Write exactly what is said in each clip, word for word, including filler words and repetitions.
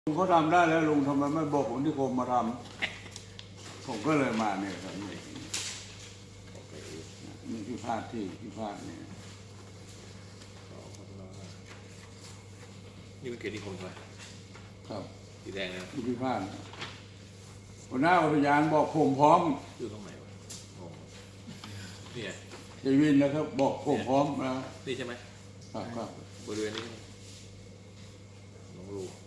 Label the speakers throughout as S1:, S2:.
S1: ลุงเขาทำได้แล้วลุงทำไมไม่บอกผมที่ผมมาทำผมก็เลยมาเนี่ยครับนี่นี่ที่พลาดที่ที่พลาดเนี่ย
S2: นี่เป็นเขตนิคมใช่ไหม
S1: ครับ
S2: สีแดงนะ
S1: ที่ที่พลาดหัวหน้าอุทยานบอกผมพร้อม
S2: อยู่ตรงไหนวะอ๋อนี่ไง
S1: เจวินนะครับ บอกผมพร้อมนะ
S2: นี่ใช่ไหม
S1: ครับครับ
S2: บริเวณนี้น้องลูก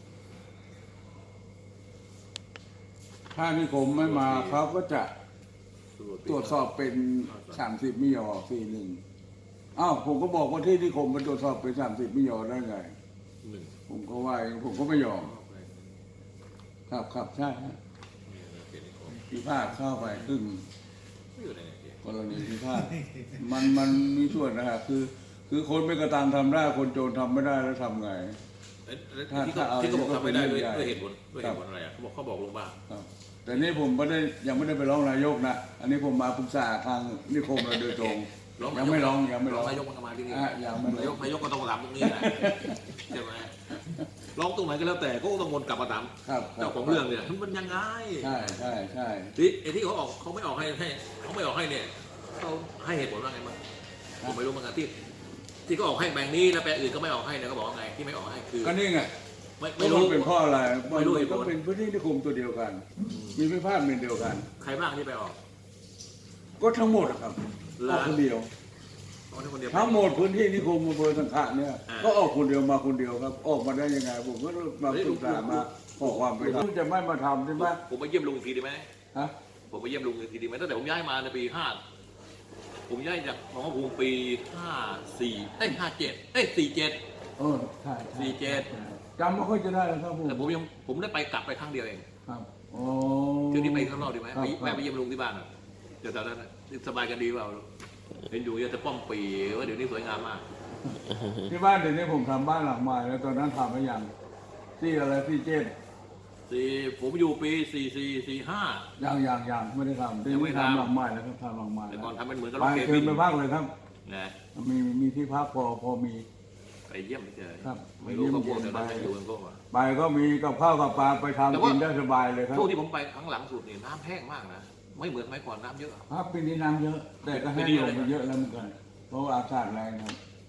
S1: ถ้านิคมไม่มาเขาก็จะตรวจสอบเป็นสามสิบมิยอสี่หนึ่งอ้าวผมก็บอกว่าที่นิคมมันตรวจสอบเป็นสามสิบมิยอได้ไง
S2: หนึ่ง
S1: ผมก็ว่าเองผมก็ไม่ยอมครับครับใช่ฮะ
S2: นี่เขตนิคม
S1: พิพาทเข้าไปครึ่ง
S2: ไม่อยู่ในเขต
S1: กรณีพิพาทมันมันมีส่วนนะฮะคือ คือคนไม่กระตังทำได้คนโจรทำไม่ได้แล้วทำไง
S2: เอ๊ะ
S1: ถ้า
S2: ที่
S1: ถ้าเอา
S2: เขาที่เขาบอกทำไม่ได้ด้วย
S1: ก็เป็นเรื่องใหญ่
S2: ด้วยเหตุผลด้วยเหตุผลอะไรอ่ะเขาบอกเขาบอกลงบ้าง
S1: ครับแต่นี่ผมไม่ได้ยังไม่ได้ไปร้องนายกนะอันนี้ผมมาปรึกษาทางนิคมเราโดยตรงยังไม่ร้องยังไม่ร้อง
S2: นายกมันก็มาที่นี่
S1: อ่ะยังไม่ร้อง
S2: นายกนายกก็ต้องมาถามตรงนี้แหละใช่ไหมร้องตรงไหนก็แล้วแต่ก็ต้องวนกลับมาถาม
S1: ครับครั
S2: เจ้า
S1: บ
S2: ของเรื่องเนี่ยมันยังไง
S1: ใช่ใช่ใช่
S2: ที่ไอ้ที่เขาออกเขาไม่ออกให้ให้เขาไม่ออกให้เนี่ยเขาให้เหตุผลว่าไงมั้งผมไม่รู้เหมือนกันที่ที่เขาออกให้แบงค์นี้แล้วแบงค์อื่นก็ไม่ออกให้เนี่ยเขาบอกว่าไงที่ไม่ออกให้คือ
S1: ก็นี่ไง
S2: ไม่
S1: ไม่
S2: ไม่
S1: รู้
S2: รู้
S1: เป็นเพราะอะไร
S2: ไม่รู้เหตุผล
S1: ก็เป็นพื้นที่นิคมตัวเดียวกัน มีพิพาทเป็นเดียวกัน
S2: ใครบ้างที่ไปออก
S1: ก็ทั้งหมดอะครับออกคนเดียว
S2: เอาที่คนเดียว
S1: ทั้งหมดพื้นที่นิคมอำเภอสังขะเนี่ย
S2: อ่า
S1: ก็ออกคนเดียวมาคนเดียวครับ ออกมาได้ยังไงผมก็มาปรึกษามาขอความเป็นธรรมจะไม่มาทำใช่ไหม
S2: ผมไปเยี่ยมลุงอีกทีดีไหม
S1: ฮะ
S2: ผมไปเยี่ยมลุงอีกทีดีไหมตั้งแต่ผมย้ายมาในปีห้าผมย้ายจากหนองกระพูงปีห้าสี่เอ้ยห้าเจ็ดเอ้ยสี่เจ็ด
S1: เออใช่ใช่
S2: สี่เจ็ด
S1: จำไม่ค่อยจะได้แล้วครับผม
S2: แต่ผมยังผมได้ไปกลับไปครั้งเดียวเอง
S1: ครับโอ้
S2: คือที่ไปข้างนอกดีไหม
S1: ครับ
S2: ไปแม่ไปเยี่ยมลุงที่บ้านอะเดี๋ยวตอนนั้นอะสบายกันดีเปล่าเห็นอยู่ยังจะป้อมปีว่าเดี๋ยวนี้สวยงามมาก
S1: ที่บ้านเดี๋ยวนี้ผมทำบ้านหลังใหม่แล้วตอนนั้นทำไปยังที่อะไรที่เจ็ด
S2: สี่ผมอยู่ปีสี่สี่สี่ห้า
S1: ยังยังยังไม่ได้ทำที่
S2: ยังไม่
S1: นี่
S2: ทำ
S1: ทำหลังใหม่แล้วครับทำหลังใหม่
S2: แต่
S1: แล้ว
S2: ก่อนทำเป็นเหมือนกับ
S1: ไป
S2: รถเค
S1: เชิ
S2: บิ
S1: ญ
S2: น
S1: ไปพักเลยครับ
S2: นะ
S1: มีมีที่พักพอพอมี
S2: ไปเยี่ยมเฉย
S1: ครับ
S2: ไม่รู้เขาพวก
S1: ไปเยี่
S2: แต่
S1: ยม
S2: นั้น
S1: ไป
S2: ไม่อยู่กันพวกว่า
S1: ไปก็มีกับข้าวกับปลาไป
S2: แต่
S1: ทำ
S2: ว่า
S1: กินได้สบายเลยครับ
S2: ช่วงที่ผมไปครั้งหลังสุดนี่น้ำแห้งมากนะไม่เหมือนสมัยก่อนน้ำเยอะ
S1: ครับปีนี้น้ำเยอะ แต่ก็ให้ลงไปเยอะแล้วเหมือนกันเพราะว่าอากาศแรงครับ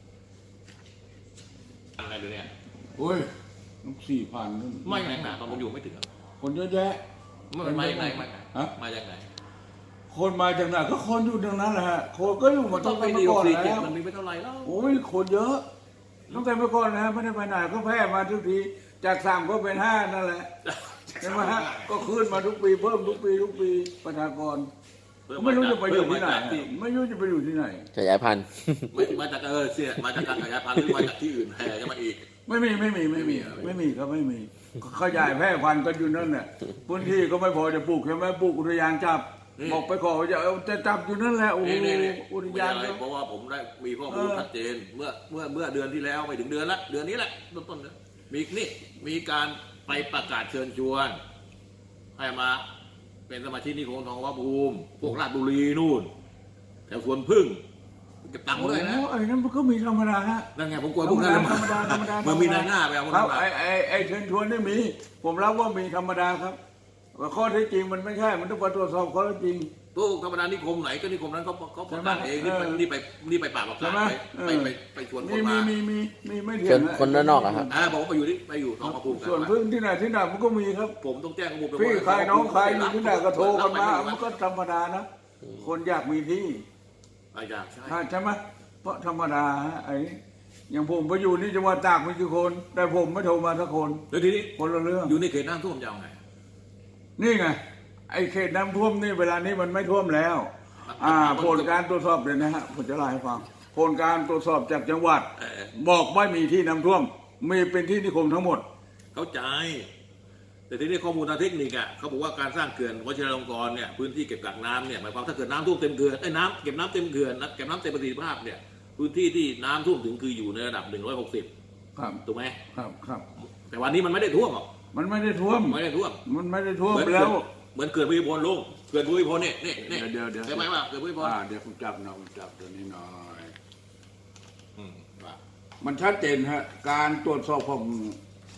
S2: อะไรดูเนี่ย
S1: โอ้ยสี่พัน
S2: ไม่แรงหนาตอนผมอยู่ไม่ถึงอะ
S1: คนเยอะแยะ
S2: ไม่มาจากไหนมาจากไหน
S1: ฮะ
S2: มาจากไหน
S1: คนมาจากไหนก็คนอยู่ตรงนั้นแหละฮะคนก็อยู่มา
S2: ต้
S1: ตั้
S2: อง
S1: ง
S2: ไป
S1: แต่
S2: ดี
S1: เมื่อก่อน
S2: สี่เจ็ด
S1: แล้ว
S2: มันมีไปเท่าไหร่แล้ว
S1: โอ้ยคนเยอะตั้งแต่เมื่อก่อนแล้วไม่ได้ไปไหนก็แพร่มาทุกทีจากสามก็เป็นห้านั่นแหละใช่ไหมฮะก็ขึ้นมาทุกปีเพิ่มทุกปีทุกปีประชากรไม่รู้จะไปอยู่ที่ไหนฮะไม่รู้จะไปอยู่ที่ไหน
S3: ขยายพันธุ์
S2: ไม่มาจากเออเสียมาจากการขยายพันธุ์หรือมาจากที่อื่นแห่กันมาอีก
S1: ไม่มีไม่มีไม่มีไม่มีก็ไม่มีขยายแพร่พันธุ์กันอยู่นั่นแหละพื้นที่ก็ไม่พอจะปลูกใช่ไหมปลูกอุทยานจับบอกไปขอจะเอาจะจับอยู่นั่นแหละโอ้โห
S2: นี่นี่
S1: อุท
S2: ไม่
S1: ยาน
S2: อะไร
S1: ก็
S2: เพราะว่าผมได้มีข้อมูล
S1: เออ
S2: ชัดเจนเมื่อเมื่อเมื่อเดือนที่แล้วไม่ถึงเดือนละเดือนนี้แหละต้นต้นๆนะมีนี่มีการไปประกาศเชิญชวนให้มาเป็นสมาชิกนิคมทองวภูมิพวกราชบุรีนู่นแถวสวนพึ่งเก็บตังค์ด้วยนะ
S1: โอ้ไอ้นั่นมันก็มีธรรมดาฮะ
S2: นั่นไงผมกลัวพวกนั้น
S1: ธรรมดาธรรมดาธรรมดา
S2: มันมีนายหน้าไปเอาคน
S1: ครั
S2: นั้
S1: บ
S2: นมา
S1: ไอ้ไอ้ไอ้เชิญชวนนี่มี ผมรับว่ามีธรรมดาครับว่าข้อเท็จจริงมันไม่ใช่ มันต้องไปตรวจสอบข้อเท็จจริง
S2: พวกธรรมดานิคมไหนก็นิคมนั้นเขาเขาประกาศเอง
S1: ใช่ไหม
S2: นี่ไปนี่ไปนี่ไปปราบประ
S1: ใช่
S2: กาศ
S1: ไหม
S2: ไป
S1: เออ
S2: ไปไปชวนค
S1: มี
S2: น
S1: มี
S2: มา
S1: มีมีมีไม่เถีย
S3: ค
S1: ง
S3: นคนด้านนอกอะครับ
S2: อ่าบอกว่าไปอยู่ที่ไปอยู่ทองมาภูมิกัน
S1: ส่วน
S2: มา
S1: พึ่งที่ไหนที่ไหนมันก็มีครับ
S2: ผมต้องแจ้งข้อมูลไป
S1: พี่
S2: ว่า
S1: ใครน้องใครอยู่ที่ไหนก็โทรกันมา
S2: รับไป
S1: มันก็ธรรมดานะ คนอยากมีที่
S2: ไม่อยากใช่
S1: อ่าใช่ไหมเพราะธรรมดาฮะไอ้อย่างผมไปอยู่ที่จังหวัดตากมีกี่คน แต่ผมไม่โทรมาสักคน
S2: แล้วทีนี้
S1: คนละเรื่อง
S2: อยู่ในเขตน้ำท่วมจะเอาไง
S1: นี่ไง ไอ้เขตน้ำท่วมนี่เวลานี้มันไม่ท่วมแล้ว อ่าผลการตรวจสอบเลยนะฮะผมจะเล่าให้ฟังผลการตรวจสอบจากจังหวัด
S2: เออ
S1: บอกไม่มีที่น้ำท่วม มีเป็นที่นิคมทั้งหมด
S2: เข้าใจ แต่ทีนี้ข้อมูลทางเทคนิคอ่ะเขาบอกว่าการสร้างเขื่อนวชิรลงกรณ์เนี่ยพื้นที่เก็บกักน้ำเนี่ยหมายความถ้าเกิดน้ำท่วมเต็มเขื่อนไอ้ยน้ำเก็บน้ำเต็มเขื่อนนะเก็บน้ำเต็มประสิทธิภาพเนี่ยพื้นที่ที่น้ำท่วมถึงคืออยู่ในระดับหนึ่งร้อยหกสิบ
S1: ครับ
S2: ถูกไหม
S1: ครับครับ
S2: แต่วันนี้มันไม่ได้ท่วมหรอก
S1: มันไม่ได้ท่วม
S2: ไม่ได้ท่วม
S1: มันไม่ได้ท่วม
S2: เหมือน
S1: แล้ว
S2: เหมือนเขื่อนภูมิพลลุงเขื่อนภูมิพลเนี่ยเนี่ยเนี่ย
S1: เดี๋ยวเดี๋ยว
S2: ใช่ไหมว่าเขื่อนภูมิพล
S1: อ่าเดี๋ยวผมจับหน่อยผมจับตัวนี้หน่อย
S2: อืมว่า
S1: มันชัดเจนฮะการตรวจสอบของ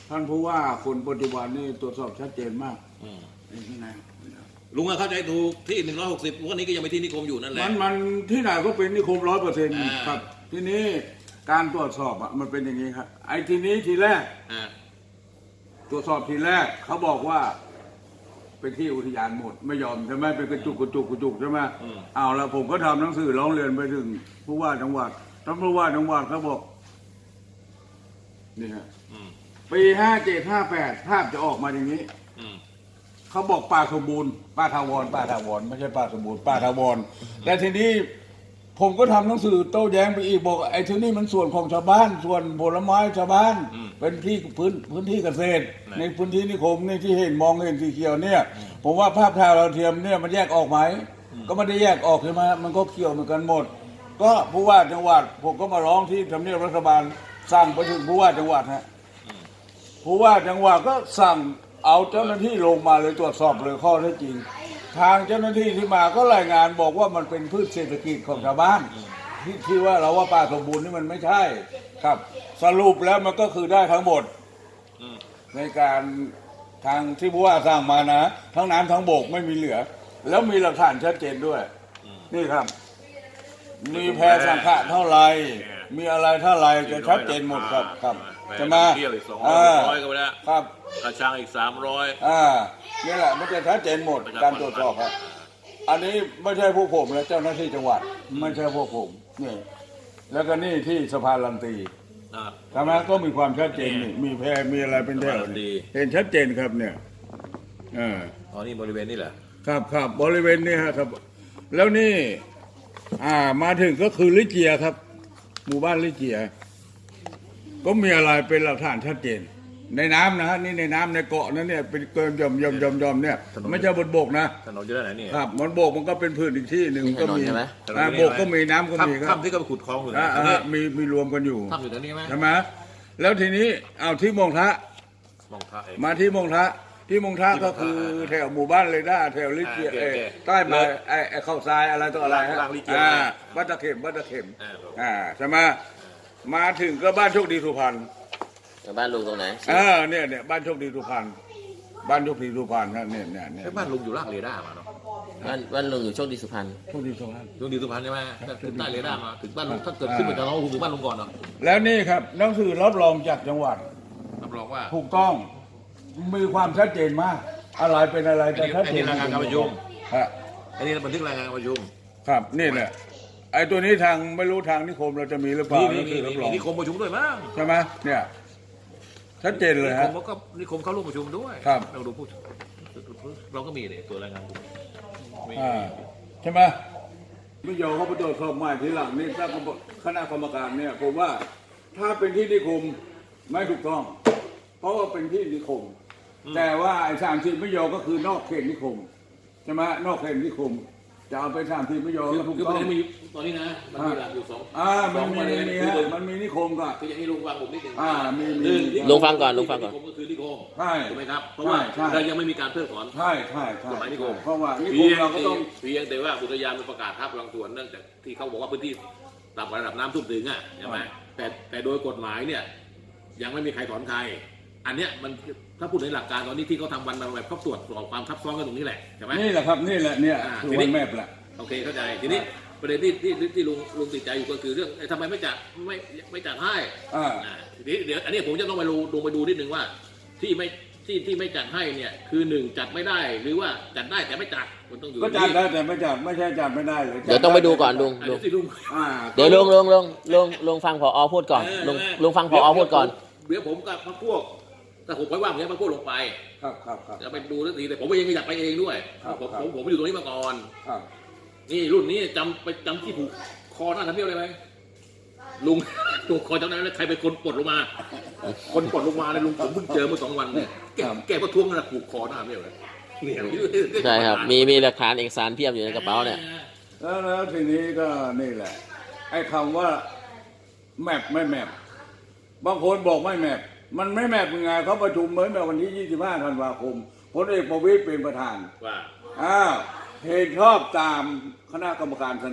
S1: ท่านผู้ว่าคนปัจจุบันนี่ตรวจสอบชัดเจนมาก
S2: อืม
S1: นี่ที่ไหน
S2: ลุงก็เข้าใจถูกที่หนึ่งร้อยหกสิบวันนี้ก็ยังเป็นที่นิคมอยู่นั่นแหละ
S1: มันมันที่ไหนก็เป็นนิคมร้อยเปอร์เซ็นต์
S2: อ่า
S1: ครับ ทีนี้การตรวจสอบอ่ะมันเป็นอย่างนี้ครับ ไอ้ทีนี้ทีแรก
S2: อ่า
S1: ตรวจสอบทีแรกเขาบอกว่า เป็นที่อุทยานหมดไม่ยอมใช่ไหมเป็นกระจุกกระจุกกระจุกใช่ไหมเอาละผมก็ทำหนังสือร้องเรียนไปถึงผู้ว่าจังหวัดท่านผู้ว่าจังหวัดเขาบอกนี่ฮะ
S2: อืม
S1: ปีห้าเจ็ดห้าแปดภาพจะออกมาอย่างนี้
S2: อืม
S1: เขาบอกป่าสมบูรณ์ป่าทาวรป่าทาวรไม่ใช่ป่าสมบูรณ์ป่าทาวรแต่ทีนี้ผมก็ทำหนังสือโต้แย้งไปอีกบอกไอ้ที่นี่มันส่วนของชาวบ้าน ส่วนผลไม้ชาวบ้าน เป็นที่พื้นพื้นที่เกษตร ในพื้นที่นิคมนี่ที่เห็นมองเห็นสีเขียวเนี่ย ผมว่าภาพถ่ายดาวเทียมเนี่ยมันแยกออกไหมก็ไม่ได้แยกออกใช่ไหมมันก็เกี่ยวเหมือนกันหมด ก็ผู้ว่าจังหวัดผมก็มาร้องที่ทำเนียบรัฐบาลสั่งไปถึงผู้ว่าจังหวัดฮะ ผู้ว่าจังหวัดก็สั่งเอาเจ้าหน้าที่ลงมาเลยตรวจสอบเลยข้อเท็จจริง ทางเจ้าหน้าที่ที่มาก็รายงานบอกว่ามันเป็นพืชเศรษฐกิจของชาวบ้านที่ที่ว่าเราว่าป่าสมบูรณ์นี่มันไม่ใช่ครับ สรุปแล้วมันก็คือได้ทั้งหมด
S2: อืม
S1: ในการทางที่ผู้ว่าสร้างมานะ ทั้งน้ำทั้งบกไม่มีเหลือ แล้วมีหลักฐานชัดเจนด้วย นี่ครับ มีแพรสังฆะเท่าไหรมีอะไรเท่าไหรจะชัดเจนหมดครับครับจะมา
S2: เที่ยวอีกสองร้อยร้อยก็ไปแล้ว
S1: ครับ
S2: กระชังอีกสามร้อย
S1: อ่านี่แหละมันจะชัดเจนหมดการตรวจสอบครับ อันนี้ไม่ใช่พวกผมและเจ้าหน้าที่จังหวัด ไม่ใช่พวกผมนี่แล้วก็นี่ที่สะพานลันตี
S2: อ่า
S1: ทำไมก็มีความชัดเจนนี่มีแพรมีอะไรเป็นแถว
S2: สะพานลันตี
S1: เห็นชัดเจนครับเนี่ยอ่า
S2: อ๋อนี่บริเวณนี้แหละ
S1: ครับครับบริเวณนี้ฮะครับ แล้วนี่อ่ามาถึงก็คือลิเจียครับ หมู่บ้านลิเจีย ก็มีอะไรเป็นหลักฐานชัดเจน ในน้ำนะฮะนี่ในน้ำในเกาะนั้นเนี่ยเป็นเกินยอมยอมยอมยอมเนี่ยไม่ใช่บนบกนะ
S2: ถนนอยู่ด้านไหนนี่
S1: ครับบนบกมันก็เป็นพื้นอีกที่หนึ่งก็มี
S3: ถนนใช่ไหม
S1: อ่าบกก็มีน้ำก็มีค
S2: ถ้ำ
S1: รับ
S2: ถ้ำที่ก็ไปขุดคลองอยู่
S1: อ่า
S2: นะ
S1: อ่า
S2: นี่
S1: มีมีรวมกันอยู่
S2: ถ้ำอยู่ตรงนี้ไหม
S1: ใช่ไหมแล้วทีนี้เอาที่มงทะ
S2: มองท่าเอง
S1: มาที่มงทะที่มงทะก็คือแถวหมู่บ้านเรด้าแถวลิเจีย
S2: อ่าโอเค
S1: เอ่อ
S2: โอเค
S1: ใต้มาไอ้ไอ้ข้าวทรายอะไรต่ออะไรฮะ
S2: ล่างลิเจีย
S1: อ่าบ้านตะเข็มบ้านตะเข็ม
S2: อ่า
S1: อ่าใช่ไหมมาถึงก็บ้านโชคดีสุพรรณ
S3: บ้านลุงตรงไหน
S1: เออเนี่ยเนี่ยบ้านโชคดีสุพรรณบ้านโชคดีสุพรรณนะเนี่ยเนี่ยเนี่ย
S2: ไอ้บ้านลุงอยู่ล่างเรดาร์มาเนาะ
S3: บ้านบ้านลุงอยู่โชคดีสุพรรณ
S1: โชคดีสุพรรณ
S2: ลุงดีสุพรรณใช่ไหมถึงใต้เรดาร์มาถึงบ้านลุงถ้าเกิดขึ้นมาจากน้องลุงถึงบ้านลุงก่อนเนาะ
S1: แล้วนี่ครับหนังสือรับรองจากจังหวัด
S2: รับรองว่า
S1: ถูกต้องมีความชัดเจนมาก อะไรเป็นอะไรแต่ชัด
S2: อัน
S1: เจ
S2: นี้
S1: น
S2: รายงานการประชุม
S1: ฮะ
S2: อันนี้บันทึกรายงานการประชุม
S1: ครับนี่แหละไอ้ตัวนี้ทางไม่รู้ทางนิคมเราจะมีหรือเปล่า
S2: นี่
S1: หนั
S2: นี่
S1: งสือรับร
S2: นี่
S1: อง
S2: นิคมประชุมด้วยมั้ง
S1: ใช่ไหมเนี่ยชัดเจนเลย
S2: นิค
S1: ฮะ
S2: มก็นิคมเข้าร่วมประชุมด้วย
S1: ครับ
S2: เราดูผู้เราก็มีเนี่ยตัวรายงานกลุ่มมี
S1: อ่าใช่ไหมไม่ยอมเขาไปตรวจสอบใหม่ทีหลังนี่ถ้าคณะกรรมการเนี่ยผมว่าถ้าเป็นที่นิคมไม่ถูกต้อง เพราะว่าเป็นที่นิคม แต่ว่าไอ้สามสิบไม่ยอมก็คือนอกเขตนิคมใช่ไหมนอกเขตนิคม จะเอาไปสามสิบไม่ยอม
S2: คือ
S1: ก็ถูก
S2: คือ
S1: ต้
S2: ป
S1: อ
S2: ระ
S1: ง
S2: เด็นมีตอนนี้นะมันมีหลักอยู่สอง
S1: อ่า
S2: ส
S1: มั
S2: อน ง
S1: มี
S2: ประเด็น
S1: มี
S2: คือ
S1: ฮะ
S2: หนึ่ง
S1: มันมีนิคมก็
S2: คืออย่างนี้ลุงฟังผมนิดหนึ่ง
S1: อ่ามีมี
S2: หนึ่ง
S3: ลุงฟังก่อนลุงฟังก่อน
S2: นิคมก็คือนิคม
S1: ใช่
S2: ถูกไหมครับเพราะว่า
S1: ใช่ใช่
S2: เรายังไม่มีการเพิกถอน
S1: ใช่ใช่ใช่
S2: กฎหมายนิคม
S1: เพราะว่านิค
S2: เพี
S1: ม
S2: ยง
S1: เราก็
S2: แต่
S1: ต้อง
S2: เพียงแต่ว่าอุทยานมันประกาศทับบางส่วนเนื่องจากที่เขาบอกว่าพื้นที่ต่ำกว่าระดับน้ำท่วมถึงอ่ะใช่ไหมแต่แต่โดยกฎหมายเนี่ยยังไม่มีใครถอนใครอันเนี้ยมันถ้าพูดในหลักการตอนนี้ที่เขาทำวันมาแบบเขาตรวจสอบความทับซ้อนกันตรงนี้แหละใช่ไหม
S1: นี่แหละครับนี่แหละเนี่ย
S2: อ่า
S1: คือ
S2: ที
S1: วั
S2: นี้
S1: นแมพแหละ
S2: โอเคเข้าใจทีนี้ประเด็นที่ที่ที่ลุงลุงติดใจอยู่ก็คือเรื่องไอ้ทำไมไม่จัดไม่ไม่จัดให้
S1: อ่า
S2: อ่าทีนี้เดี๋ยวอันนี้ผมจะต้องไปดูดูไปดูนิดนึงว่า ที่ไม่ที่ที่ไม่จัดให้เนี่ยคือหนึ่งจัดไม่ได้หรือว่าจัดได้แต่ไม่จัดมันต้องอยู่
S1: ก็จัดได้แต่ไม่จัดไม่ใช่จัดไม่ได้เลย
S3: เดี๋ยวต้องไปดูก่อนลุง
S2: อ่ะ
S3: ลุ ง
S2: เดี๋ยวสิลุง
S1: อ่า
S3: เดี๋ยวลุงลุงลุงลุงลุงฟังผอพูดก่อนลุงลุงฟังผอพูดก่อน
S2: เดี๋ยวผมกับพรรคพวกถ้าผมไว้ว่างผมจะพรรคพวกลงไป
S1: ครับครับครับ
S2: จะไปดูทันทีแต่ผมเองก็อยากไปเองด้วย
S1: ครับ
S2: ผม
S1: ครับ
S2: ผมผมอยู่ตรงนี้มาก่อน
S1: ครับ
S2: นี่รุ่นนี้จำไปจำที่ผูกคอหน้าทำเนียบเลยไหมลุง ลุงคอจำได้ไหมใครเป็นคนปลดลงมา คนปลดลงมาเลยลุงผมเพิ่งเจอเมื่อสองวันเนี่ยแกแกประท้วงนะผูกคอหน้าทำเนียบเลยเนี่ย
S3: ใช่ครับ มีมีหลักฐานเอกสารเพียบอยู่ในกระเป๋าเนี่ย
S1: แล้วแล้วทีนี้ก็นี่แหละไอ้คำว่าแมปไม่แมปบางคนบอกไม่แมปมันไม่แมปยังไงเขาประชุมเมื่อวันที่ยี่สิบห้าธันวาคมพลเอกประวิตรเป็นประธาน
S2: ว่า
S1: อ้าวเห็นชอบตามคณะกรรมการเสนอ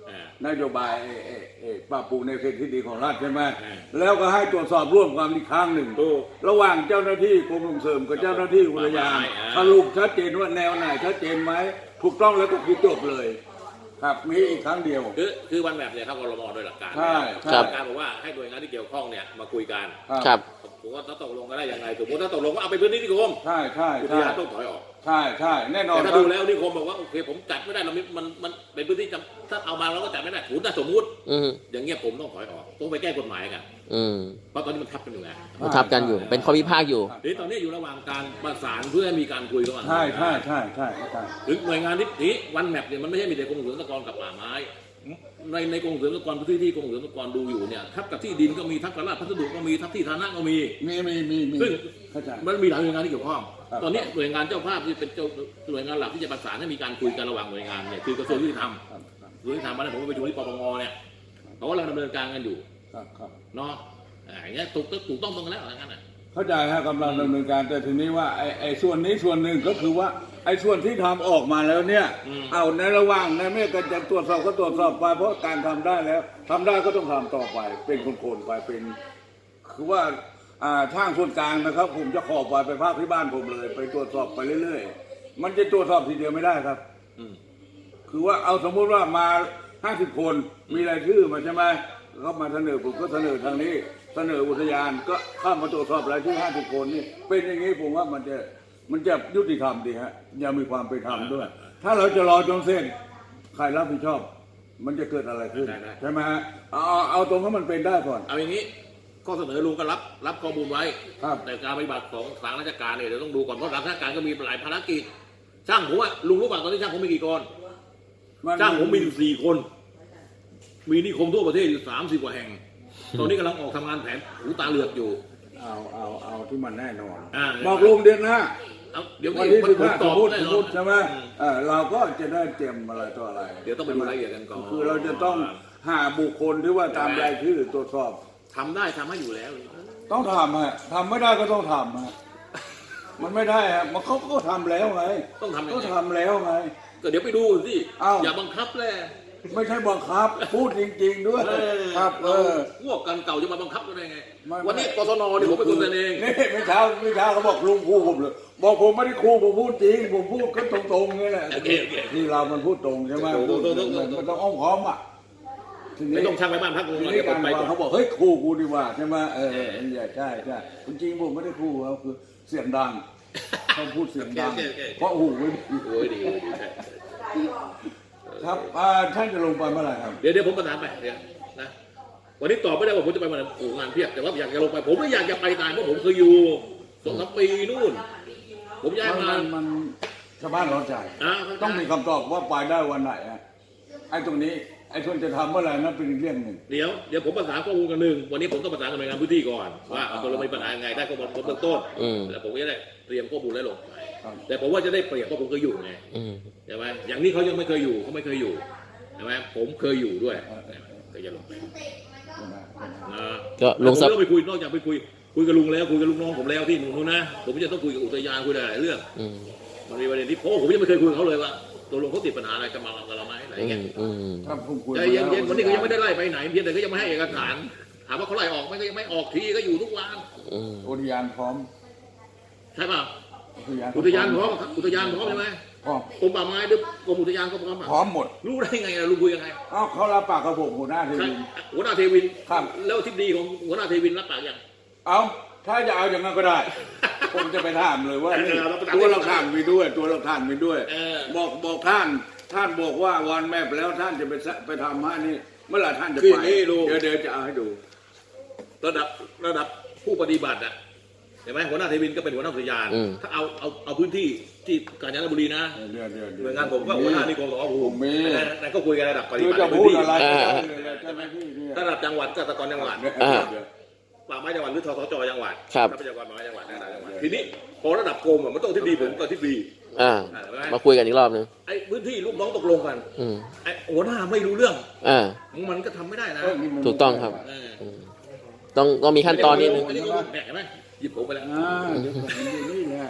S2: อ่า
S1: นโยบายเอ่อเอ่อเอ่อปรับปรุงในเขตที่ดีของรัฐใช่ไหม
S2: อ่า
S1: แล้วก็ให้ตรวจสอบร่วมกันอีกครั้งหนึ่ง
S2: ถูก
S1: ระหว่างเจ้าหน้าที่กรมส่งเสริมกับเจ้าหน้าที่อุทยาน
S2: อ่า
S1: สรุปชัดเจนว่าแนวไหนชัดเจนไหมถูกต้องแล้วก็คือจบเลย ครับมีอีกครั้งเดียว
S2: คือคือวันแบบเนี่ยเข้ากรมโดยหลักการ
S1: ใช่ใช่
S3: ครับ
S2: หลักการบอกว่าให้หน่วยงานที่เกี่ยวข้องเนี่ยมาคุยกัน
S3: ครับ
S2: ผมว่าถ้าตกลงกันได้ยังไงสมมติถ้าตกลงว่าเอาไปพื้นที่นิคม
S1: ใช่ใช่
S2: อุท
S1: ใช่
S2: ยานต้องถอยออก
S1: ใช่ใช่แน่นอน
S2: แต่ถ้า
S1: ครั
S2: ดู
S1: บ
S2: แล้วนิคมบอกว่าโอเคผมจัดไม่ได้เราไม่มันมันเป็นพื้นที่จำถ้าเอามาเราก็จัดไม่ได้ถูนถ้าสมมุติ
S3: อืม
S2: อย่างเงี้ยผมต้องถอยออกต้องไปแก้กฎหมายกัน
S3: อืม
S2: เพราะตอนนี้มันทับกันอยู่แล้ว
S3: มันทับกันอยู่ เป็นข้อพิพาทอยู่
S2: ทีนี้ตอนนี้อยู่ระหว่างการประสานเพื่อให้มีการคุยระหว่าง
S1: ใช่ใช่ใช่ใช่ใช่
S2: หรือหน่วยงานที่นี้วันแมปเนี่ยมันไม่ใช่มีแต่กรมอุทยานกรกับป่าไม้ในในกรมอุทยานกรพื้นที่ที่กรมอุทยานกรดูอยู่เนี่ยทับกับที่ดินก็มีทับกับราชพัสดุก็มีทับที่ฐานะก็มี
S1: มีมีมีมี
S2: ซึ่ง
S1: เข้าใจ
S2: มันมีหลายหน่วยงานที่เกี่ยวข้อง
S1: ครับ
S2: ตอนนี้หน่วยงานเจ้าภาพที่เป็นเจ้าหน่วยงานหลักที่จะประสานให้มีการคุยกันระหว่างหน่วยงานเนี่ยคือกระทรวงยุติธรรม
S1: ครับครับ
S2: กระทรวงยุติธรรมมาเนี่ยผมก็ไปดูที่ปปงเนี่ยเขากำลังดำเนินการกันอยู่
S1: ครับครับ
S2: เนาะอ่าอย่างเงี้ยถูกถูกต้องตรงกันแล้วอะไรงั้นน่ะ
S1: เข้าใจฮะกำลังดำเนินการแต่ทีนี้ว่าไอ้ไอ้ส่วนนี้ส่วนหนึ่งก็คือว่าไอ้ส่วนที่ทำออกมาแล้วเนี่ย
S2: อืม
S1: เอาในระหว่างในเมื่อกันจะตรวจสอบก็ตรวจสอบไปเพราะการทำได้แล้วทำได้ก็ต้องทำต่อไป เป็นคนๆไปเป็น คือว่าอ่าช่างส่วนกลางนะครับ ผมจะขอไปไปภาคที่บ้านผมเลย ไปตรวจสอบไปเรื่อยๆ มันจะตรวจสอบทีเดียวไม่ได้ครับ
S2: อืม
S1: คือว่าเอาสมมุติว่ามาห้าสิบคนมีรายชื่อมาใช่ไหมเขามาเสนอผมก็เสนอทางนี้ เสนออุทยานก็เข้ามาตรวจสอบรายชื่อห้าสิบคนนี่เป็นอย่างนี้ผมว่ามันจะมันจะยุติธรรมดีฮะยังมีความเป็นธรรมด้วย ถ้าเราจะรอจนเส้นใครรับผิดชอบ มันจะเกิดอะไรขึ้นใช่ไหมฮะเอาเอาเอาตรงที่มันเป็นได้ก่อน
S2: เอาอย่างนี้ข้อเสนอลุงก็รับรับข้อมูลไว้
S1: ครับ
S2: แต่การปฏิบัติของทางราชการเนี่ยเดี๋ยวต้องดูก่อนเพราะทางราชการก็มีหลายภารกิจช่างผมว่าลุงรู้ป่ะตอนนี้ช่างผมมีกี่คนช่างผมมีอยู่สี่คน มีนิคมทั่วประเทศอยู่สามสิบกว่าแห่ง ตอนนี้กำลังออกทำงานแผนหูตาเหลือกอยู่
S1: เอาเอาเอาที่มันแน่นอน
S2: อ่า
S1: บอกลุงเดือนหน้า
S2: เอาเดี๋ยว
S1: วัน
S2: นี้
S1: ที่
S2: มัน
S1: สิบ
S2: ผม
S1: ห้า
S2: ต
S1: ส
S2: อ
S1: ม
S2: บ
S1: มติ
S2: แน่
S1: สม
S2: น
S1: ม
S2: อน
S1: ติใช่ไหมเออเราก็จะได้เตรียมอะไรต่ออะไร
S2: เดี๋ยวต้องไปดูรายละเอียดกันก่อน
S1: คือเราจะต้องหาบุคคลที่ว่าตามรายชื่อตรวจสอบ
S2: ทำได้ทำให้อยู่แล้ว
S1: ต้องทำฮะทำไม่ได้ก็ต้องทำฮะมันไม่ได้ฮะมันเขาก็ทำแล้วไง
S2: ต้องทำยัง
S1: ก็
S2: ไง
S1: ทำแล้วไง
S2: ก็เดี๋ยวไปดูสิ
S1: อ้าว
S2: อย่าบังคับแหละ
S1: ไม่ใช่บังคับ พูดจริง ๆ ด้วย
S2: เออ
S1: ครับเอ
S2: เรา
S1: อ
S2: พวกกันเก่าจะมาบังคับกันได้ไง
S1: ไม่
S2: วันนี้กศนเนี่ยผมเป็นคนเสนอเอง
S1: นี่ไม่เช้าไม่เช้าเขาบอกลุงคู่ผมเลยบอกผมไม่ได้คู่ผมพูดจริงผมพูดก็ตรงๆนี่แหละ
S2: โอเคโอเค
S1: ที่เรามันพูดตรงใช่ไหม
S2: ตรงๆตรงๆ
S1: มันมันต้องอ้อมค้อมอ่ะทีนี้
S2: ไม่ต้องช่างไปบ้านพักลุง
S1: ที
S2: เรา
S1: นี้
S2: เดี๋ยวผ
S1: การ
S2: มไป
S1: วาง
S2: ก่อน
S1: เขาบอกเฮ้ยคู่กูดีกว่าใช่ไหมเออเออเนี่ยใช่ใช่จริงๆผมไม่ได้คู่เขาคือเสียงดังเขาพูดเสียงดัง
S2: โอเคโอเคโอเค
S1: เพราะหูไม่ดี
S2: โอ้ยดีโอ้ยดีใช่
S1: ครับอ่าท่านจะลงไปเมื่อไหร่ครับ
S2: เดี๋ยวเดี๋ยวผมประสานไปเดี๋ยวนะวันนี้ตอบไม่ได้ว่าผมจะไปวันไหนโอ้งานเพียบแต่ว่าอยากจะลงไป ผมไม่อยากจะไปตายเพราะผมเคยอยู่สองสามปีนู่น ผมย้าย
S1: มัน
S2: มา
S1: มันมันชาวบ้านร้อนใจ
S2: อ่า
S1: ต้องมีคำตอบว่าไปได้วันไหนอะไอ้ตรงนี้ไอ้ส่วนจะทำเมื่อไหร่นั่นเป็นอีกเรื่องหนึ่ง
S2: เดี๋ยวเดี๋ยวผมประสานข้อมูลกันหนึ่งวันนี้ผมต้องประสานกับหน่วยงานพื้นที่ก่อนว่าเอาตัวเรามีปัญหายังไงได้ข้อมูลเบื้องต้น
S3: อืม
S2: แล้วผมก็จะได้เตรียมข้อมูลแล้วลงไป
S1: ครับ
S2: แต่ผมว่าจะได้เปรียบเพราะผมเคยอยู่ไง
S3: อืม
S2: ใช่ไหมอย่างนี้เขายังไม่เคยอยู่เขาไม่เคยอยู่ใช่ไหมผมเคยอยู่ด้วยก็จะลงไปนะ
S3: ก็ลุง
S2: ผม
S3: สับ
S2: ต้องไปคุยนอกจากไปคุยคุยกับลุงแล้วคุยกับลูกน้องผมแล้วที่นู่นนะผมจะต้องคุยกับอุทยานคุยหลายๆเรื่อง
S3: อืม
S2: มันมีประเด็นที่เพราะผมยังไม่เคยคุยกับเขาเลยว่าตัวลงเขาติดปัญหาอะไรกับมากับเราไหมอะไร
S3: อื
S2: เงี้
S3: ม
S2: ย
S3: อืม
S1: ถ้าผมคุย
S2: ใจเย็นๆวันนี้ก็ยังไม่ได้ไล่ไปไหนเพียงแต่ก็ยังไม่ให้เอกสารถามว่าเขาไล่ออกไหมก็ยังไม่ออกทีก็อยู่ทุกวัน
S3: อืม
S1: อุทยานพร้อม
S2: ใช่ป่ะ
S1: อุทยาน
S2: อุทยานพร้อมครับอุทยานพร้อมใช่ไหม
S1: พร้อม
S2: กรมป่าไม้หรือกรมอุทยานก็พร้อมอ่ะ
S1: พร้อมหมด
S2: รู้ได้ไงอะลุงคุยยังไง
S1: เอ้าเขารับปากกับผมหัวหน้าที
S2: ใคร
S1: วี
S2: หัวหน้าเทวิน
S1: ครับ
S2: แล้วทิศดีของหัวหน้าเทวินรับปากยัง
S1: เอาถ้าจะเอาอย่างนั้นก็ได้ ผมจะไปถามเลยว่านี่
S2: เออเราไปถาม
S1: ตัวเราท่านมีด้วย ตัวเราท่านมีด้วย
S2: เออ
S1: บอกบอกท่าน ท่านบอกว่าวันแมพแล้วท่านจะไปสะไปทำให้นี่ เมื่อไหร่ท่านจะ
S2: คือ
S1: ไป
S2: อย่างนี้ลุง
S1: เดี๋ยวเดี๋ยวจะเอาให้ดู
S2: ระดับระดับผู้ปฏิบัติอ่ะเห็นไหมหัวหน้าเทวินก็เป็นหัวหน้าอุทยาน
S3: อืม
S2: ถ้าเอาเอาเอาพื้นที่ที่กาญจนบุรีนะ
S1: เดี๋ยวเดี๋ยวเดี๋
S2: หน่วยงานผมก็หัวหน้านิคมสองภู
S1: ผม
S2: มิ
S1: มี
S2: นั่นก็คุยกันระดับปฏิ
S1: คือ
S2: บัติ
S1: จะ
S2: ใน
S1: พู
S2: พื้
S1: ด
S2: นที่
S1: อะไร
S3: อ่า
S1: ก็ได้เลยเจ้าหน้าที่เนี่ย
S2: ระดับจังหวัดก็ตะกรจังหวัด
S1: เดี๋ยว
S3: อ่า
S1: เดี๋ยว
S2: ป่าไม้จังหวัดหรือทสจจังหวัด
S3: ครับ
S2: ทรัพยากรป่าไม้จังหวัดระดับจังหวัดทีนี้พอระดับกรมอะมันต้องที่ดีผมกับที่ดี
S3: อ่า มาคุยกันอีกรอบนึง
S2: ไอ้พื้นที่ลูกน้องตกลงกัน
S3: อืม
S2: ไอ้หัวหน้าไม่รู้เรื่อง
S3: อ่า
S2: มันก็ทำไม่ได้นะ
S1: เนี่มัน
S3: ถูกต้องครับ
S2: เออ
S3: อืมต้องต้องมีขั้นตอนนิดนึง
S2: อันนี้ก็แหมเห็นไหมหยิบผมไปแล้ว
S1: อ่าเดี๋ยวผมอยู่นี่แหละ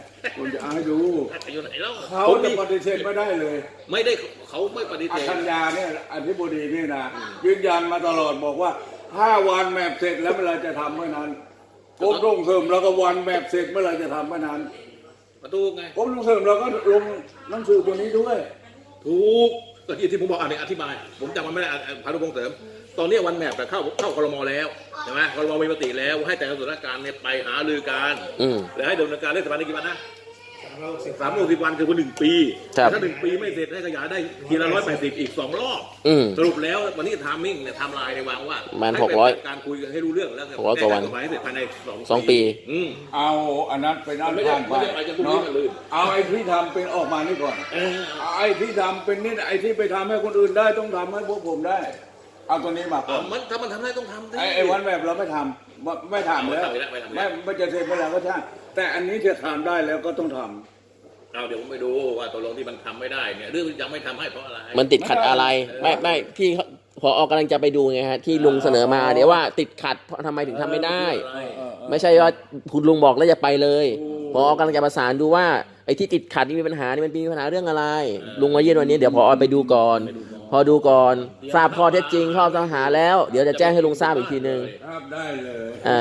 S1: ผมจะเอาให้ดู
S2: ไปอยู่ไหนแล้ว
S1: เขา
S2: ผม
S1: จะ
S2: นี่
S1: ปฏิเสธไม่ได้เลย
S2: ไม่ได้เขาไม่ปฏิเสธ
S1: ธัญญาเนี่ยอธิบดีนี่นะยืนยันมาตลอดบอกว่าห้าวันแมปเสร็จแล้วเมื่อไหรจะทำเมื่อนั้นกรมส่งเสริมแล้วก็วันแมปเสร็จเมื่อไหรจะทำเมื่อนั้น
S2: ประตูไง
S1: กรมส่งเสริมเราก็ลงหนังสือตัวนี้ด้วย
S2: ถูกก็ที่ที่ผมบอกอันนี้อธิบาย ผมจำมันไม่ได้อ่ะอ่ะพานุพงษ์เสริม ตอนนี้วันแมปเข้าเข้าครมแล้วใช่ไหมครมมีมติแล้วให้แต่ละส่วนราชการเนี่ยไปหารือกัน
S3: อืม
S2: แล้วให้ดำเนินการเรื่องสถาบันกี่วันนะสามร้อยหกสิบวันคือวันหนึ่งปี
S3: ครับ
S2: ถ้าหนึ่งปีไม่เสร็จให้ขยายได้ทีละร้อยแปดสิบอีกสองรอบ
S3: อืม
S2: สรุปแล้ววันนี้ทามมิ่งเนี่ยไทม์ไลน์ในยวางว่า
S3: มัน
S2: ให้
S3: หกร้อย
S2: เป็นการคุยกันให้รู้เรื่องแล้ว
S3: หกร้อยกว่าวัน
S2: แก้ไขฎหมายให้เสร็จภายในสอง
S3: สองปี
S2: อืม
S1: เอาอันนั้นเป็นอัน
S2: ไม่ได้
S1: ผ่านไป
S2: ไม่ได้ไปจนพรุ่งนี้
S1: เนาะ
S2: มันลื่น
S1: เอาไอ้ที่ทำเป็นออกมานี่ก่อน
S2: เออ
S1: เอาไอ้ที่ทำเป็นนี่ไอ้ที่ไปทำให้คนอื่นได้ต้องทำให้พวกผมได้ เอาตัวนี้มาก่อ
S2: เอา
S1: น
S2: มันถ้ามันทำได้ต้องทำดิ
S1: ไอ้ไอ้วันแบบเราไม่ทำไม่ไม่ทำแล้ว
S2: ไม่ทำไม่ทำไม่ทำ
S1: ไม่ไม่จะเสร็จเมื่อไหร่ก็ช่างแต่อันนี้จะทำได้แล้วก็ต้องทำ
S2: เอาเดี๋ยวผมไปดูว่าตกลงที่มันทำไม่ได้เนี่ยเรื่องที่ยังไม่ทำให้เพราะอะไร
S3: มันติดขัดอะไร ไม่ไม่พี่เขาพออกำลังจะไปดูไงฮะที่ลุงเสนอมาเดี๋ยวว่าติดขัดเพราะทำไมถึงทำไม่ได้ ไม่ใช่ว่าคุณลุงบอกแล้วจะไปเลยพออกำลังจะประสานดูว่าไอ้ที่ติดขัดนี่มีปัญหานี่มันมีปัญหาเรื่องอะไร ลุงมาเยี่ยมวันนี้เดี๋ยวพอไปดูก่อน พอดูก่อนทราบข้อเท็จจริงข้อปัญหาแล้ว เดี๋ยวจะแจ้งให้ลุงทราบอีกทีนึง
S1: ครับได้เลย
S3: อ่า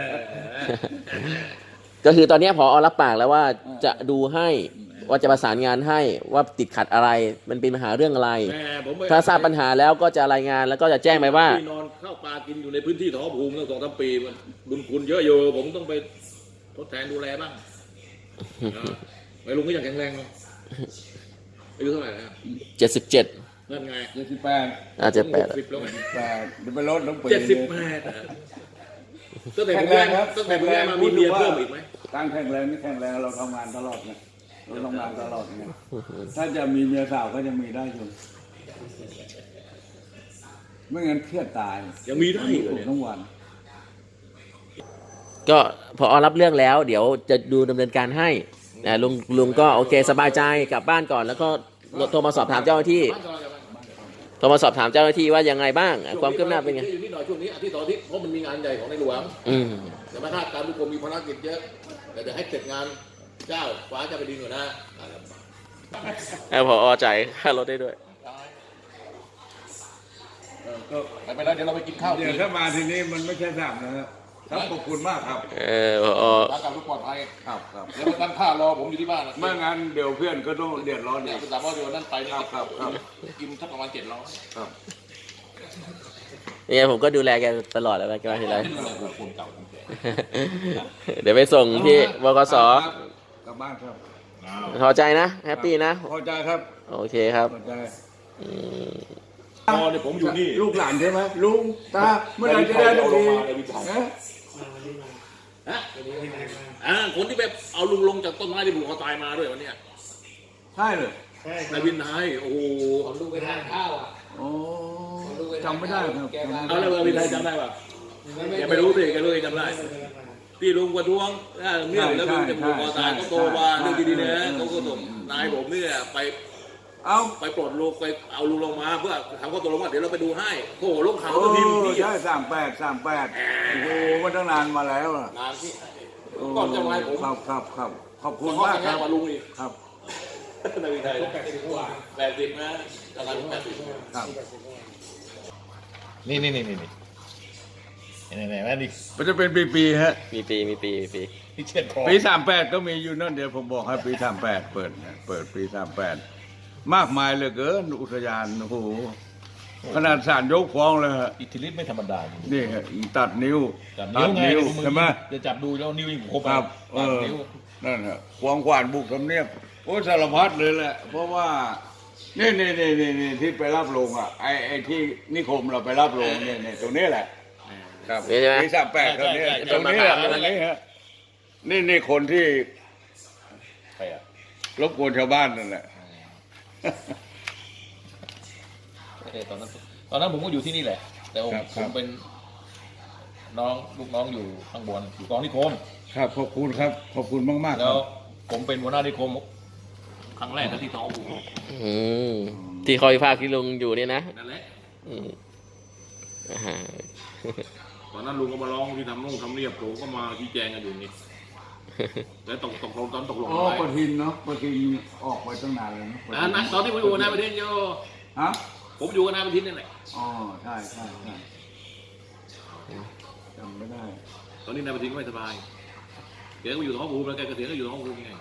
S3: ก็คือตอนนี้พอรับปากแล้วว่าจะดูให้ว่าจะประสานงานให้ว่าติดขัดอะไร มันเป็นปัญหาเรื่องอะไร
S2: แหมผมไป
S3: ถ้าทราบปัญหาแล้วก็จะรายงานแล้วก็จะแจ้งไปว่า
S2: ที่นอนข้าวปลากินอยู่ในพื้นที่ท้องภูมิตั้งสองสามปีมันบุญคุณเยอะอยู่ผมต้องไปทดแทนดูแลบ้างนะไม่ลุงก็ยังแข็งแรงเลยอายุเท่าไหร่แล้ว
S3: เจ็ดสิบเจ็ด
S2: นั่นไง
S1: เจ็ดสิบแปด
S3: อาจจะแปด
S2: หกสิบแล้วไง
S1: แปดเดี๋ยวไปลดน้องปี
S2: เจ็ดสิบแปดตั้งแต่ผมแรกตั้งแต่ผมแรกมามีเมียเพิ่มอีกไหม
S1: ตั้งแข็งแรงนี่แข็งแรงเราทำงานตลอดไงเราทำงานตลอดไงถ้าจะมีเมียสาวก็ยังมีได้อยู่ไม่งั้นเครียดตาย
S2: ยังมีได้อีกเหรอเนี่ย
S1: ทั้งวัน
S3: ก็พอรับเรื่องแล้ว เดี๋ยวจะดูดำเนินการให้นะลุงลุงก็โอเคสบายใจกลับบ้านก่อน แล้วก็โทรมาสอบถามเจ้าหน้าที่โทรมาสอบถามเจ้าหน้าที่ว่ายังไงบ้างอ่ะความคืบหน้าเป็นไง
S2: อยู่ที่หน่อยช่วงนี้อาทิตย์ต่ออาทิตย์เพราะมันมีงานใหญ่ของในหลวง
S3: อืม
S2: แต่มาถ้าการทุกคนมีภารกิจเยอะแต่จะให้เสร็จงานเจ้าฟ้าจะไปดีกว่านะ
S3: แล้วพอจ่ายค่ารถได้ด้วย
S1: เออก็
S2: ไปไปแล้วเดี๋ยวเราไปกินข้าว
S1: เดี๋ยวถ้ามาทีนี้มันไม่ใช่สามนะครับครับขอบคุณมากครับ
S3: เออพอ
S2: ร้านกลับทุกปลอดภัย
S1: ครับครับ
S2: แล้วมาตั้งท่ารอผมอยู่ที่บ้านนะ
S1: ไม่งั้นเดี๋ยวเพื่อนก็ต้องเดือดร้อน
S2: เนี่
S1: อี
S2: ย
S1: ก
S2: คุณสามารถเดี๋ยวนั่นไป
S1: ครับครับครับ
S2: กินสักประมาณเจ็ดร้อย
S1: ครับ
S3: เนี่ยผมก็ดูแลแกตลอดแล้วแกมาทีไร
S2: คนเก่าคนแก่
S3: เดี๋ยวไปส่งที่บกส
S1: ครับกลับบ้านครับ
S3: พอใจนะแฮปปี้นะ
S1: พอใจครับ
S3: โอเคครับ
S1: พอใจ
S3: อืม
S2: พอเนี่ยผมอยู่นี่
S1: ลูกหลานใช่ไหมลุงตาเมื่อไหรจะได้ทุกทีนะ
S2: ฮะอ่าคนที่ไปเอาลุงลงจากต้นไม้ที่ผูกคอตายมาด้วยวันเนี้ย
S1: ใช่เลย
S2: นายวินไทยโอ้โห
S4: ผมลูกไปทานข้าวอ่ะ
S1: โอ้จำไม่ได้ครับ
S2: เอาแล้วนายวินไทยจำได้ป่ะแกไม่รู้สิแกรู้เองจำได้ที่ลุงประท้วงอ่าเรื่องแล้วลุงจะผูกคอตายก็โตมาเรื่องดีๆนะเขาก็ส่งนายผมเนี่ยไป
S1: เอา
S2: ไปปลดลุงไปเอาลุงลงมาเพื่อทำข้อตกลงว่าเดี๋ยวเราไปดูให้โอ้โหลงข่าว
S1: โอ้
S2: ก็พิมพ์ที่
S1: ใช่สามแปดสามแปดโอ้โหมันตั้งนานมาแล้วอะ
S2: นานที่ก่อนจะมาให้ผม
S1: ครับครับครับขอบคุณ
S2: เขา
S1: มาก
S2: แต่ง
S1: ค
S2: งา
S1: รั
S2: น
S1: บ
S2: มาลุงอีก
S1: ครับ
S2: นายวินไทย
S4: แปดสิบกว่า
S2: แปดสิบนะกำลังแปดสิบ
S1: ครับ
S5: นี่นี่นี่นี่นี่ไหนไหนว่านี่
S1: มันจะเป็นปีๆฮะ
S3: มีปีมีปีมีปี
S5: ที่เช็ดคอ
S1: ปีสามแปดก็มีอยู่นั่นเดี๋ยวผมบอกให้ปีสามแปดเปิดนะเปิดปีสามแปดมากมายเหลือเกินอุทยานโอ้โหขนาดศาลยกฟ้องเลยฮะ
S5: อิทธิฤทธิ์ไม่ธรรมดา
S1: นี่ฮะตัดนิ้ว
S5: จับนิ้วไง
S1: ใช่ไหม
S5: จะจับดูแล้วนิ้วยังครบ
S1: ครับเอ
S5: ตัด
S1: อ
S5: นิ้ว
S1: นั่นฮะควงขวานบุกทำเนียบโอ้สารพัดเลยแหละ เพราะว่านี่นี่นี่นี่นี่ที่ไปรับลงอ่ะไอ้ไอ้ที่นิคมเราไปรับลงเนี่ยเนี่ยตรงนี้แหละ ครับ
S3: นี่ใช่ไหม
S1: ปีสามแปดตรงนี้ตรงนี้แหละตรงนี้ฮะนี่นี่คนที่
S5: ไปอ่ะ
S1: รบกวนชาวบ้านนั่นแหละ
S5: เออตอนนั้นตอนนั้นผมก็อยู่ที่นี่แหละ แต่ผม
S1: ครับ
S5: ผ
S1: ครับ
S5: มเป็นน้องลูกน้องอยู่ข้างบนอยู่กองนิคม
S1: ครับขอบคุณครับ ขอบคุณมากๆค
S5: แล้
S1: รั
S5: ว
S1: บ
S5: ผมเป็นหัวหน้านิคม
S2: ครั้งแรกนะที่ท้องผูก
S3: อืมที่คอยภาคที่ลุงอยู่เนี่ยนะ
S2: นั่นแหละ
S3: อืมอ่าฮะ
S2: ตอนนั้นลุงก็มาร้องที่ทำนุ่งทำเนียบผมก็มาชี้แจงกันอยู่นี่แล้วตกตกลงตอนตกลง
S1: อ๋อ
S2: อะไร
S1: ประทินเนาะประทินออกไปตั้งนานแล้วเนาะประ
S2: อ่า
S1: ทิ
S2: นะตอนที่ผมอยู่กับนายประเทศโย
S1: ฮะ
S2: ผมอยู่กับนายประทินนี่แหละ
S1: อ๋อใช่ใช่ใช่จำไม่ได้
S2: ตอนนี้นายประทินก็ไม่สบายแกก็อยู่ท้องภูมิแล้วแกเกษียณก็อยู่ท้องภูมิไง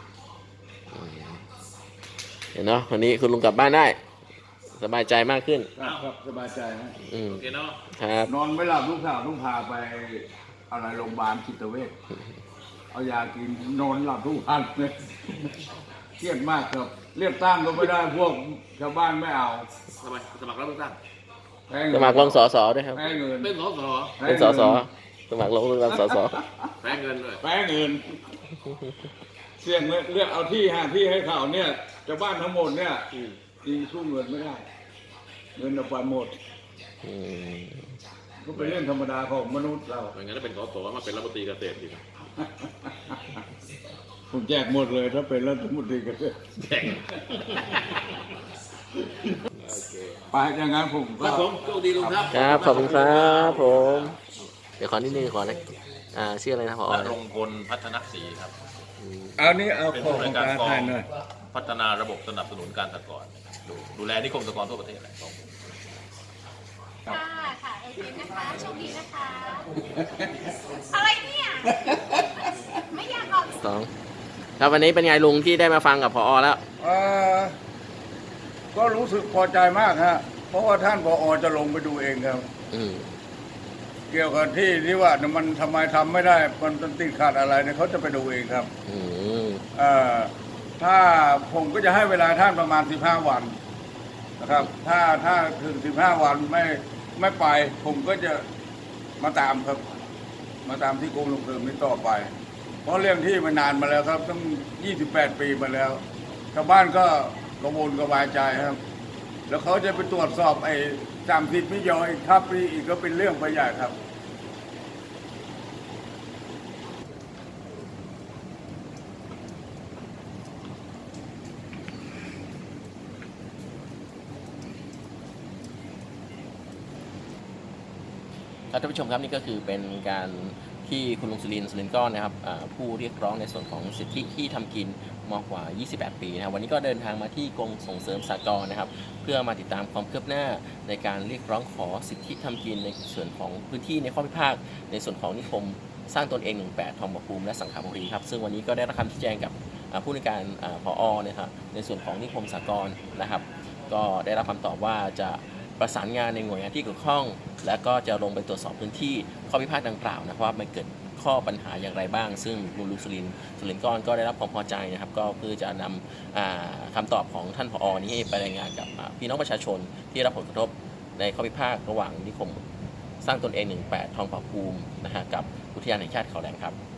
S3: เห็นเนาะวันนี้คุณลุงกลับบ้านได้ สบายใจมากขึ้น
S1: ครับครับสบายใจฮะ
S3: อืม
S2: โอเคเนาะ
S3: ครับ
S1: นอนไม่หลับลูกสาวต้องพาไปอะไรโรงพยาบาลจิตเวชเอายากินนอนหลับทุกวันเลยเครียดมากครับเรียกตั้งก็ไม่ได้พวกชาวบ้านไม่เอา
S2: ทำไมสมัครรับเลือกตั้ง
S1: แพ้เงิน
S3: สมัครลงสอสอด้วยครับ
S1: แพ้เงิน
S2: เป็นสส
S3: เป็นสอสอสมัครลงเลือกตั้งสอสอ
S2: แพ้เงินด้วย
S1: แพ้เงิน เสี่ยงเลยเลือกเอาที่หาที่ให้เขาเนี่ยชาวบ้านทั้งหมดเนี่ยจริงสู้เงินไม่ได้ เงินเอาไปหมด
S3: อืม
S1: ก็เป็นเรื่องธรรมดาของมนุษย์เรา
S2: ไม่งั้นถ้าเป็นสสมาเป็นรัฐมนตรีเกษตรดีนะ
S1: ผมแจกหมดเลยถ้าเป็นรัฐมนตรีเกษตร
S2: แข่ง
S1: ไปอย่างนั้นผม
S2: ครั
S1: ก็
S2: บผมโชคดีลุงครับ
S3: ครับขอบคุณครับผมเดี๋ยวขอนิดนึงขอนะอ่าชื่ออะไรนะพอ
S5: ณรงพลพัฒนศรีครับ
S1: เอานี้เอา
S5: เป็น
S1: ของ
S5: ผู้
S1: ข
S5: ใน
S1: อง
S5: วยการ
S1: การ
S5: กอ
S1: ไทย
S5: ง
S1: หน่อย
S5: พัฒนาระบบสนับสนุนการสหกรณ์ดูดูแลนิคมสหกรณ์ทั่วประเทศแหละ
S4: ค่ะค่ะเอเจนต์นะคะโชคดีนะคะ อะไรเนี่ย ไม่อยากออก
S3: สองครับวันนี้เป็นไงลุงที่ได้มาฟังกับพอแล้ว
S1: เอ่อก็รู้สึกพอใจมากฮะ เพราะว่าท่านผอจะลงไปดูเองครับ
S3: อืม
S1: เกี่ยวกับที่ที่ว่ามันทำไมทำไม่ได้ มันติดขัดอะไรเนี่ยเขาจะไปดูเองครับ
S3: อืม
S1: เอ่อถ้าผมก็จะให้เวลาท่านประมาณสิบห้าวันนะครับ ถ้าถ้าถึงสิบห้าวันไม่ไม่ไป ผมก็จะมาตามครับ มาตามที่กรมส่งเสริมนี้ต่อไป เพราะเรื่องที่มันนานมาแล้วครับตั้งยี่สิบแปดปีมาแล้วชาวบ้านก็กระวนกระวายใจครับ แล้วเขาจะไปตรวจสอบไอ้จำผิดไม่ยอมอีกครับนี่อีกก็เป็นเรื่องไปใหญ่ครับ
S3: ครับท่านผู้ชมครับนี่ก็คือเป็นการที่คุณลุงสุรินทร์สุรินทร์ก้อนนะครับอ่าผู้เรียกร้องในส่วนของสิทธิที่ทำกินมากกว่า ยี่สิบแปด ปีนะครับวันนี้ก็เดินทางมาที่กรมส่งเสริมสหกรณ์นะครับ เพื่อมาติดตามความคืบหน้าในการเรียกร้องขอสิทธิทำกินในส่วนของพื้นที่ในข้อพิพาทในส่วนของนิคมสร้างตนเอง หนึ่งแปด ทองผาภูมิและสังขบุรีครับซึ่งวันนี้ก็ได้รับคำชี้แจงกับอ่าผู้ในวยการอ่าผอนะครับในส่วนของนิคมสหกรณ์นะครับ ก็ได้รับคำตอบว่าจะประสานงานในหน่วยงานที่เกี่ยวข้อง และก็จะลงไปตรวจสอบพื้นที่ข้อพิพาทดังกล่าวนะครับว่ามันเกิดข้อปัญหาอย่างไรบ้าง ซึ่งลุงลุงสุรินทร์สุรินทร์ก้อนก็ได้รับความพอใจนะครับ ก็เพื่อจะนำอ่าคำตอบของท่านผอนี้ให้ไปรายงานกับอ่าพี่น้องประชาชนที่รับผลกระทบในข้อพิพาทระหว่างนิคมสร้างตนเอง หนึ่งแปด ทองผาภูมินะฮะกับอุทยานแห่งชาติเขาแหลมครับ